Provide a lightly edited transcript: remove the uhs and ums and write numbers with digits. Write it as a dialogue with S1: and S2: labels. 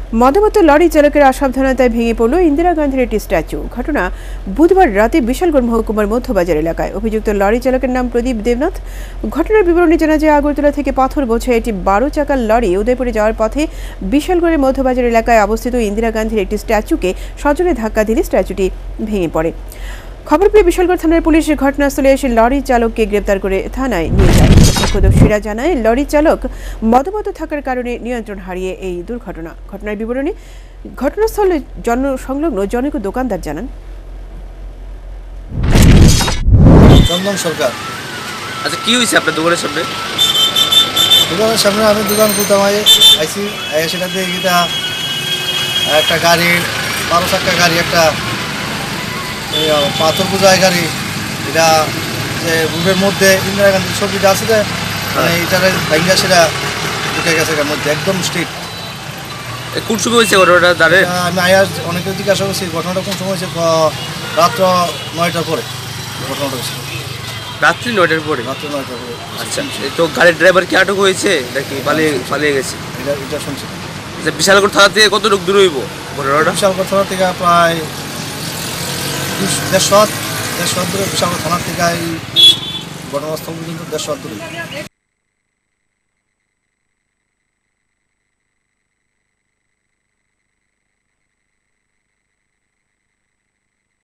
S1: মদমত্ত lorry চালকের অসাবধানতায় ভেঙে পড়ল ইন্দিরা গান্ধীর একটি স্ট্যাচু। ঘটনা বুধবার রাতে বিশালগড় মহকুমার মধ্যবাজার এলাকায়। অভিযুক্ত লরি চালকের নাম প্রদীপ দেবনাথ। ঘটনার বিবরণী জানা যায়, আগরতলা থেকে পাথর বোঝাই একটি 12 চাকার লরি উদয়পুরে যাওয়ার পথে বিশালগড়ের মধ্যবাজার এলাকায় অবস্থিত ইন্দিরা গান্ধীর একটি স্ট্যাচুকে সজোরে ধাক্কা দিলে স্ট্যাচুটি ভেঙে পড়ে। খবর পেয়ে বিশালগড় থানার পুলিশ ঘটনাস্থলে এসে লরি চালককে গ্রেপ্তার করে থানায় নিয়ে যায়। প্রত্যক্ষদর্শীরা জানায়, লরি চালক মদমত্ত থাকার কারণে নিয়ন্ত্রণ হারিয়ে এই দুর্ঘটনা। ঘটনার বিবরণী ঘটনাস্থলে সংলগ্ন জনৈক দোকানদার জানান।
S2: চন্দন সরকার।
S3: আচ্ছা, কি হয়েছে আপনার দোকানের সামনে?
S2: দোকানের সামনে আমি দোকান খুলতাম আইসি সেটা দিয়ে গিয়ে একটা গাড়ি 12 চাকা গাড়ি, একটা পাথর বোঝাই গাড়ি, এটা যে রোডের মধ্যে ইন্দিরা গান্ধীর ছবিটা আছে যে মানে এটার ভাঙ্গা সেটা ঢুকে গেছে এর মধ্যে একদম স্ট্রিট।
S3: কোন সময় হয়েছে ঘটনাটা জানেন?
S2: আমি আয়ার অনেকে জিজ্ঞাসা করছি ঘটনাটা কোন সময় হয়েছে, রাত্র 9টার পরে ঘটনাটা হয়েছে।
S3: রাত্রি 9টার পরে?
S2: রাত্র 9টার পরে।
S3: আচ্ছা, তো গাড়ির ড্রাইভার কি আটক হয়েছে নাকি পালিয়ে গেছে?
S2: এটা শুনছি।
S3: আচ্ছা, বিশালগড় থানা থেকে কতটুকু দূর হইব ঘটনাটা?
S2: বিশালগড় থানা থেকে প্রায় 150 দূরে। বিশালগড় থানার থেকে এই ঘটনাস্থল পর্যন্ত 150 দূরে।